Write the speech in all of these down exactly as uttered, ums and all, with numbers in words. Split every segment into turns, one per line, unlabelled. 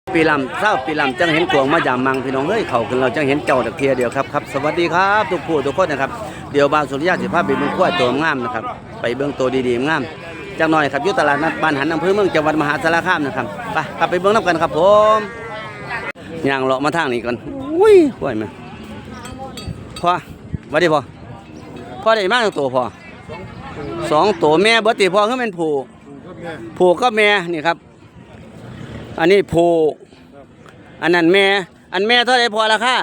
ปีลำเศร้าปีลำจังเห็นกวงมาจามมังพี่น้องเฮ้ยเขากันเราจังเห็นเจ้าตะเคียเดียวครับครับสวัสดีครับทุกผู้ทุกคนนะครับเดี๋ยวบาวสุริยะสิภาพไปเบื้องขั้วตัวงามนะครับไปเบื้องตัวดีๆงามจังหน่อยครับยุตลาดนัดบ้านหันอำเภอเมืองจังหวัดมหาสารคามนะครับไปครับไปเบื้องน้ำกันครับผมย่างเลาะมาทางนี้ก่อนอุ้ยห่วยมาพอสวัสดีพอพอได้มากตัวพอสองตัวแม่เบิร์ตีพอเขาเป็นผู้ผู้ก็แม่นี่ครับอันนี้ผู้อันนั้นแม่อันแม่เท่าไรพอราคา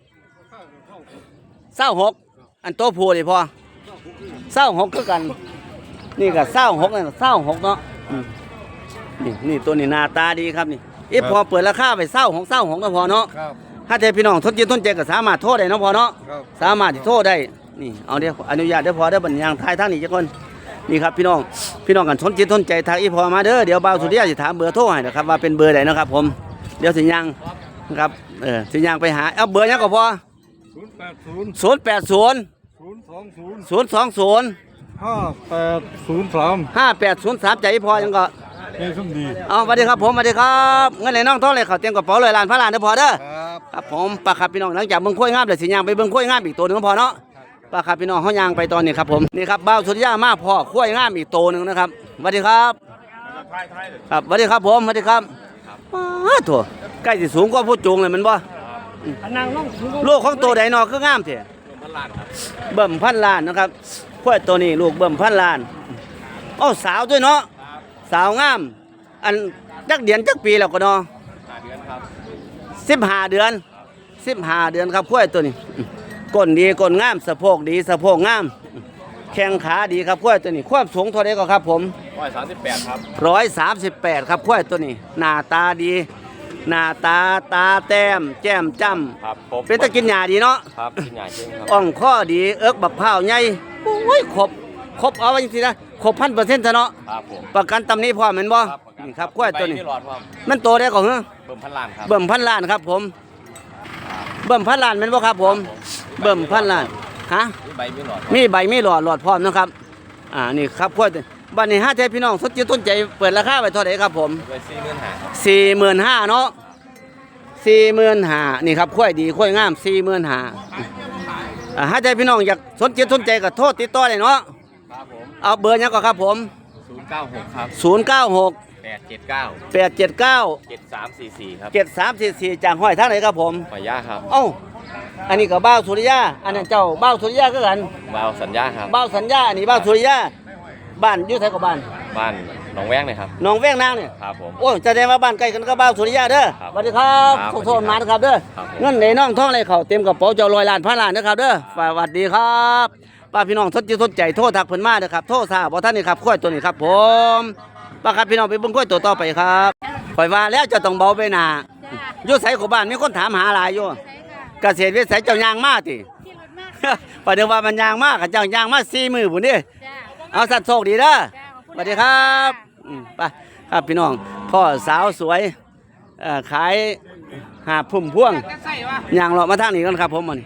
เศร้าหกอันโตผู้ดิพอเศร้าหกคือกันนี่ก็เศร้าหกนี่เศร้าหกเนาะนี่นี่ตัวนี้หน้าตาดีครับนี่อีพอเปิดราคาไปเศร้าหกเศร้าหกก็พอเนาะถ้าเทพี่น้องทนจิตทนใจก็สามารถโทษได้เนาะพอเนาะสามารถที่โทษได้นี่เอาเดี๋ยวอนุญาตเดี๋ยวพอได้บรรยางทายทางนี้จ้ะคนนี่ครับพี่น้องพี่น้องกันทนจิตทนใจทางอีพอมาเด้อเดี๋ยวบ่าวสุริยะจะถามเบอร์โทรให้นะครับว่าเป็นเบอร์ไหนนะครับผมเดี๋ยวสิยังครับเออสิยังไปหาเอาเบอร์ยังก็พอศูนย์แปดศูนย์ศูนย์แปดศูนย์ศูนย์สองศูนย์ศูนย์สองศูนย์
ห้าแปดศูนย์สาม
ห้าแปดศูนย์สามใจพอยังก็
เฮ้ยสมดี
เอาสวัสดีครับผมสวัสดีครับเงินไหนน้องท้องเลยเขาเตรียมกระเป๋าเลยล้านพระล้านเด้อพอเด้อ
ครับ
ครับผมปลาครับพี่น้องหลังจากเบิ่งข้อยงามเดี๋ยวสิย่างไปเบิ่งข้อยงามอีกตัวนึงพอเนาะปลาครับพี่น้องเฮาย่างไปตอนนี้ครับผมนี่ครับบ่าวสุริยะมาพ่อข้อยงามอีกตัวนึงนะครับสวัสดีครับครับสวัสดีครับผมสวัสดีครับว้าถั่วใกล้สิสูงกว่าผู้จูงเลยมันบ่ลูกของตัวใดนอคืองามเถอะเบิ่มพันล้านนะครับข้อยตัวนี้ลูกเบิ่มพันล้านอ้อสาวด้วยเนาะสาวงามอันจักเดือนจักปีแล้วก็เนาะสิบห้าเดือนสิบห้าเดือนครับข้อยตัวนี้ก้นดีก้นงามสะโพกดีสะโพกงามแข้งขาดีครับข้อยตัวนี้ความสูงเท่าไรก็ครับผม
ร้อยสามสิบแปดครับ
ร้อยสามสิบแปดครับข้อยตัวนี้หน้าตาดีหน้าตาตาแต้มแจ่มจ้ำเป็นตะกินหญ้าดีเนาะ
ครับกินหญ้าจริงครับ
อ่องข้อดีเอิกบักพร้าวใหญ่โอ้ยครบครบเอาไว้จริงๆนะครบพันเปอร์เซ็นต์เนาะ
ครับผม
ประกันตำนี้พอเหมือนบ่นี่ครับข้อยตัวนี้มันโตได้ก่อนเหรอ
เบิ่มพันล้านครับ
เบิ่มพันล้านครับผมเบิ่มพันล้านเป็นบ่ครับผมเบิ่มพันล้านฮะ
มีใบมีหลอด
มีใบมีหลอดหลอดพร้อมนะครับอ่านี่ครับข้อยบัดนี้ห้าใจพี่น้องสดจิตต้นใจเปิดราคาไปเท่าไหร่ครับผม
ไปสี่หมื่นห้า
สี่หมื่นห้าเนาะสี่หมื่นห้านี่ครับข้อยดีข้อยงามสี่หมื่นห้าอ่าห้าใจพี่น้องอยากสนจิตสนใจก็โทษติดต่อได้เนาะ
ครับผม
เอาเบอร์ยังก็ครับผม
ศูนย์เก้าหกครับ
ศูนย์เก้าหก
แปดเจ็ดเก้า
แปดเจ็ดเก้า
เจ็ดสามสี่สี่ครับ
เจ็ดสามสี่สี่จากห้อยทางไหนครับผม
หอยย่าครับ
เอ้าอันนี้ก็บ้าวสุริยะอันนั้นเจ้าบ้าวสุริยะก็กัน
บ้าวสัญญาครับ
บ้าวสัญญาอันนี้บ้าวสุริยะบ้านอยู่ไทยกับบ้าน
บ้านหนองแวงเลยครับ
หนองแวงนางเนี่ย
ครับผม
โอ้จะได้มาบ้านใกล้กันก็บ้าวสุริยะเด้อสวัสดีครับขอโทษมานะครับเด้อเงินในน้องท่องอะไรเขาเต็มกระเป๋าเจ้าลอยล้านพันล้านนะครับเด้อสวัสดีครับป้าพี่น้องทดจิตทดใจโทษทักเพิ่นมาเด้อครับโทษซาบ่ท่านนี่ครับข้อยตัวนี้ครับผมป้าครับพี่น้องไปเบิ่งข้อยตัวต่อไปครับข่อยว่าแล้วจะต้องเบาไปหน้าอยู่ไสของบ้านมีคนถามหาหลายอยู่เกษตรวิสัยเจ้ายางมาติประเดี๋ยวว่ามันยางมากกับเจ้ายางมาสี่มือผมนี่เอาสัตว์โชคดีเด้อสวัสดีครับไปครับพี่น้องพ่อสาวสวยขายหาพุ่มพ่วงยางเลาะมาทางนี้กันครับผมมัน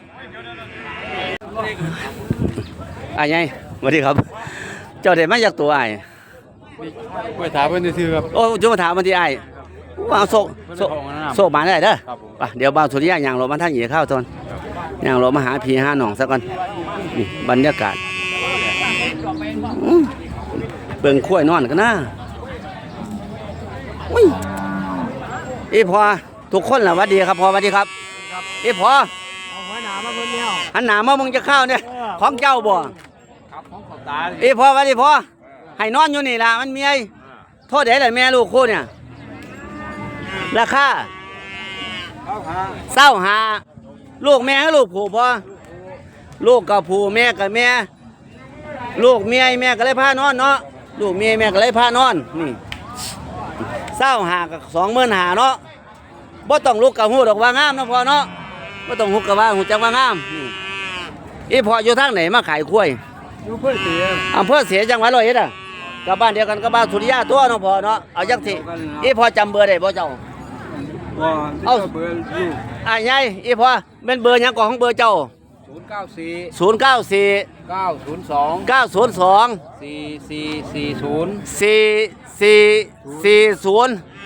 อ้ายไงสวัสดีครับเจ้าเด็กมาจากตัวอ้าย
ไปถามเพื่อนที่ซื้อครับ
โอ้จุมาถามมันที่อ้ายว่าโซโซโซมาได้เด้อไปเดี๋ยวบ่าวสุริยะยางเลาะมาทางนี้เข้าตอนอย่างเรามาหาพี่หาหนองสักก่อนนี่บรรยากาศเบิ่งข้วยนอนกันนะอีพอทุกคนล่ะวัดดีครับพอวัดดีครับอีพอหันหนามามึงจะเข้าเนี่ยของเจ้าบ่อีพอวัดดีพอให้นอนอยู่นี่ล่ะมันมีไอ้โทษเด็ดเลยแม่ลูกคู่เนี่ยราคาเศร้าหาลูกแม่ให้ลูกผูพอลูกกับผูแม่กับแม่ลูกเมียแม่ก็เลยพานอนเนาะลูกเมียแม่ก็เลยพานอนนี่เศร้าหากับสองหมื่นหาเนาะบ่ต้องลูกกับหูดอกว่างามนะพอเนาะบ่ต้องหุกกับว่าหูจักว่างามอีพออยู่ทางไหนมาขายกล้วย
อยู่เพื่อเสีย
อำเภอเสียจังหวัดร้อยเอ็ดอ่ะกับบ้านเดียวกันกับบ้านสุริยะตัวเนาะพอเนาะเอาจังสิอีพอจำเบอร์ได้บ่เจ้า
เอาเบอร์อยู่
อ่ะยายอีพอเป็นเบอร์ยังก่อนของเบอร์เจ้า
ศูนย์เก้าสี่
ศูนย์เก้าสี่
เก้าศูนย์สอง
เก้าศูนย์สอง
สี่สี่สี่ศูนย์
สี่สี่สี่ศูนย์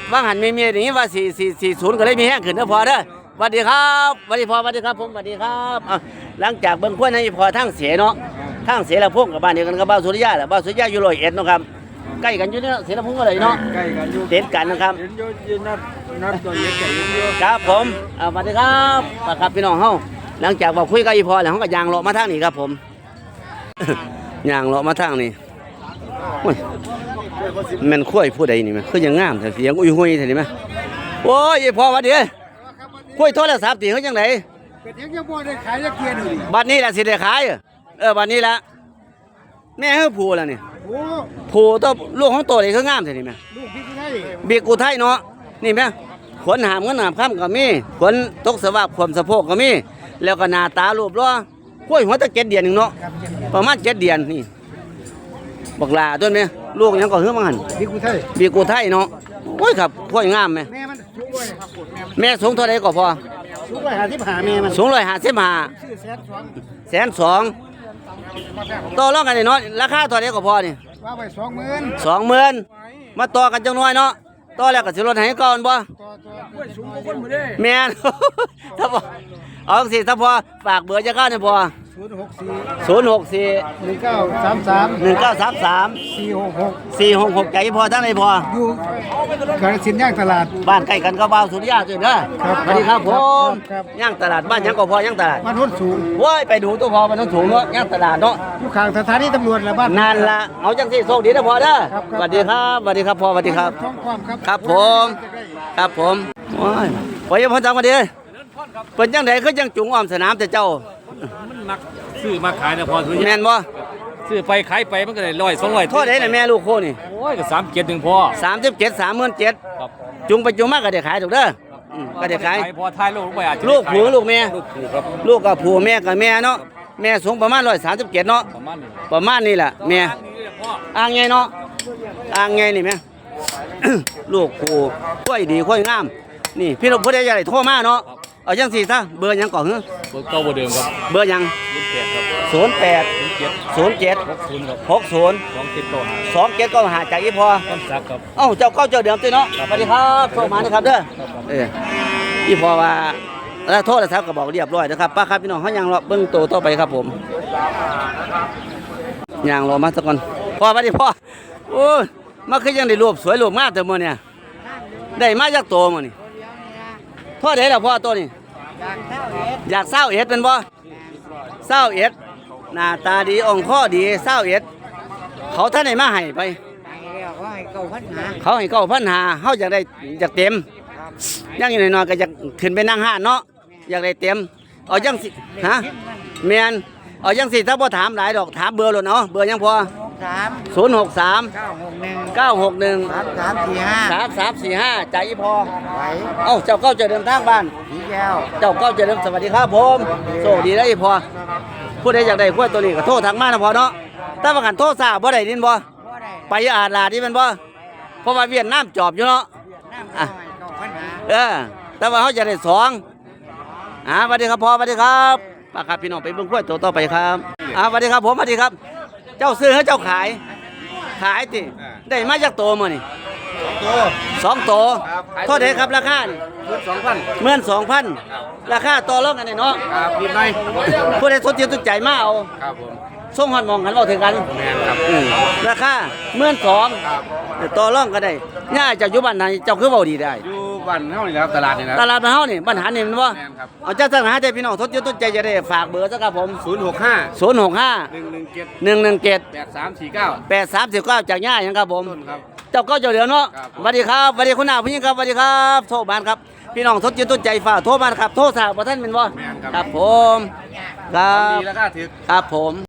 ว่างหันมีเมียอย่างนี้ว่าสี่สี่สี่ศูนย์ก็เลยมีแห้งขึ้นนะพอเด้อสวัสดีครับสวัสดีพอสวัสดีครับผมสวัสดีครับอ่ะหลังจากเบิ่งกล้วยในพอทั้งเสียเนาะทั้งเสียละพงกับบ้านเดียวกันกับบ้านสุริยะแหละบ้านสุริยะอยู่ร้อยเอ็ดเนาะครับใกล้กันอยู่เนี่ยเสียละพงก็เลยเนาะ
ใกล้กันอยู่
ติดกันนะครับ
เห็นอยู่ยืนนัดนัดตัวเล็กใหญ่อยู่
ครับผมอ่าสวัสดีครับครับพี่น้องเฮาหลังจากบอกคุยกับอีพอแล้วเฮาก็ยางเลาะมาทางนี้ครับผม ยางเลาะมาทางนี้โอ้ยแม่นข้อยผู้ใดนี่แม่คือยังงามแต่เสียงอุ้ยหุยแท้นี่แม่โอ้ยอีพอหวัดดีเอ้ยข้อยโทรศัพท์ติเฮาจังได
เป็นยังยังบ่ได้ขายยักเกียร์ดูดิ
บัดนี้ล่ะสิได้ขายเออเออบัดนี้ล่ะแม่เฮาผู้แล้วนี่
โอ้
ผู้ตัวลูกของโตนี่คืองามแท้นี่แม่
ลูกพี่ไทย
บีกูไทยเนาะนี่แม่ขนหามเงินหามค่ำก็มีขนตกสวาบความสะโพกก็มีแล้วก็หน้าตารูปล้อกล้วยหัวตะเจ็ดเดือนหนึงเนาะประมาณเจ็ดเดือนนี่บักหลาต้นแม่ลูกหยังก็เฮือมังหัน
พี่กูไทย
บีกูไทยเนาะโอ้ยครับกล้วยงามแม่
แม่มันสูงกว่าครับปวดแม่
แม่สูงเท่าใดก็พอ
สูงกว่าหาที่ผ่าแม่มัน
สูงร้อยห้าสิบห้า
ชื่อแสนสอง
แสนสองต่อรองกันนี่เนาะราคาเท่าใดก็พอนี่
ว่าไปสองหมื่น
สองหมื่นมาต่อกันจังน้อยเนาะต่อแล้วก็สิลดให้ก่อนบ่
ต่อตัวกล้วยสูงกว่าคนมือได้
แม่น ถ้าพอเอาสิถ้าพอฝากเบอร์จะเข้าเนี่ยพอ
ศูนย์หกสี่
ศูนย์หกสี่
หนึ่งเก้าสามสาม
หนึ่งเก้าสามสาม
สี่หกหก
สี่หกหกใจพอทั้งไหนพอ
อยู่กาฬสินธุ์ย่างตลาด
บ้านใกล้กันก็บ้านสุริยะจุดเด้อ
ครับ
สวัสดีครับผม
ครับ
ย่างตลาดบ้านยังก็พอย่างตลาด
บ้านโน้นสูง
โว้ยไปดูตัวพอมันต้องสูงเนาะย่างตลาดเนาะ
อยู่ข้างสถานีตำรวจละบ้าน
นั่นละเอาจังสิโชคดีนะพอเด้อ
ครับครับ
สวัสดีครับสวัสดีครับพ่อสวัสดีครับ
ท้องความครับ
ครับผม ครับผมโอ้ยพอยังพอจังมาดีเป็นจังไดคือจังจุงอ้อมสนามแต่เจ้า
มันมักซื้อมาขายนะพอทุกอ
แม่
ย่าง
นบ่
ซื้อไปขายไปมันก็ได้ร้อยสองร้อย
โทษได้น่ะแม่ลูกโคนี่
โอ้ยก็สามเกียรติหนึ่งพอ
สามสิบเจ็ดสามหมื่นเจ็ด
ครับ
จุงไปจุงมากก็ได้ขายถูกเด้ออืมก็ได้ขาย
พอท้ายลูกลงไปอาจจะ
ลูกผัวลูกแม่
ลูกผูครับ
ลูกกับผัวแม่กับแม่เนาะแม่สูงประมาณร้อยสามสิบเจ็ดเนาะ
ประมาณนี้
ประมาณนี้แหละแม่
ทางนี้เลยพ่อ
อ่างไงเนาะอ่างไงนี่แม่ ลูกผัวค่อยดีค่อยงาม นี่พี่น้องผู้ใดอยากได้โทรมาเนาะเอาจังสี่ซะเบอร์หยังก่อนเหรอ
เบอร์เก่าเบอร์เดิมครับ
เบอร์หยัง
ศูนย์แปดครับ
ศูนย์แปด
ศูนย์เจ็ด
ศูนย์เจ็ด
หกศูนย์ครับ
หกศูนย์
สองเจ็ดต่อหา
สองเจ็ดก็หาจากอีพอ
ต้นสักครับ
เอ้าเจ้าเก้าเจ้าเดิมติเนาะสวัสดีครับโทรมานะครับเด้อเอออีพอว่าแล้วโทษแล้วครับก็บอกเรียบร้อยนะครับป้าครับพี่น้องเขายังรอเบิ่งโตต่อไปครับผมยังรอมาสักก่อนพ่อสวัสดีพ่อโอ้ยมาคือยังได้รูปสวยรูปงามแต่มื้อเนี่ยได้มาจากโตมื้อนี่พ่อได้แล้วพ่อตัวนี้อยากเศร้าเอ็ดเป็นบ่เศร้าเอ็ดหน้าตาดีอ่องข้อดีเศร้าเอ็ดเขาท่านไหนมาให้ไป
เขาให้เก้าพันหา
เขาให้เก้าพันหาเขาอยากได้อยากเต็มยังอยู่หน่อยๆก็อยากขึ้นไปนั่งห้านเนาะอยากได้เต็มเอายังสิฮะแมนเอายังสิถ้าพ่ถามหลายดอกถามเบอร์เลยเนาะเบอร์ยังพอ
สาม
ศูนย์หกสาม
เก้าหกหนึ่ง
เก้าหกหนึ่ง
สามสามสี่ห้า
สามสามสี่ห้าใจอีพอ
ไหว
เอ้าเจ้าเก้าเจะเดินทางบ้าน
ผีแก้ว
เจ้าเก้าเจะเดินสวัสดีครับผมโชคดีได้อีพอผู้ใดอยากได้ขั้วตัวนี้ก็โทรทางมานะพอเนาะถ้าประกันโทรทราบบ่ได้ดินบ่
บ่ได้
ไปอาดลาดนี่แมันบ่เพราะว่าเวียดนามจอบอยู่เนาะ
น้ำเขาให้เก้าพันหา
เออ แต่ว่าเขาจะได้สองอ่าสวัสดีครับพ่อสวัสดีครับป้าครับพี่น้องไปเบิ่งกล้วยตัวต่อไปครับอ่าสวัสดีครับผมสวัสดีครับ เจ้าซื้อให้เจ้าขาย ขายติได้มาจากโตมานี่
ตัว
สองโตเท่าไหร่ครับราคานี่
สองพัน
เมื่อนสองพันราคาต่อรองกันได้เนาะ
ครับนิดหน่อย
ผู้ใดสนใจตุกใจมาเอา
ครับผม
ส่งหอดหมองกันเอาถึงกัน
แมนครับ
อืมราคาเมื่อนสอง
ครับ
ต่อรองกันได้ย่าเจ้าอยู่บ้านไหนเจ้าคือเว้าดีได้
อยู่บ้านเฮานี่แหละครับตลาดนี่นะ
ตลาดบ้านเฮานี่ปัญหานี่มันว่า
แม่นครับ
เอาเจ้าสังหาใจพี่น้องทดยศต้นใจจะได้ฝากเบอร์สักครับผม
ศูนย์หกห้า
ศูนย์หกห้า
หนึ่งหนึ่งเจ็ด
หนึ่งหนึ่งเจ็ด
แปดสามสี่เก้า
แปดสามสิบเก้าจากย่าหยังครับผม
ต้นครับ
เจ้าก็เจ้าเดียวเนาะ
ครับ
สวัสดีครับสวัสดีคุณอาผู้หญิงครับสวัสดีครับโทรบานครับพี่น้องทดยศต้นใจฝากโทรบานครับโทรสาวท่านเป็นบ่
แม่นครับ
ครับผมครั
ดี
บ
แล้วก็ถึก
ครับผม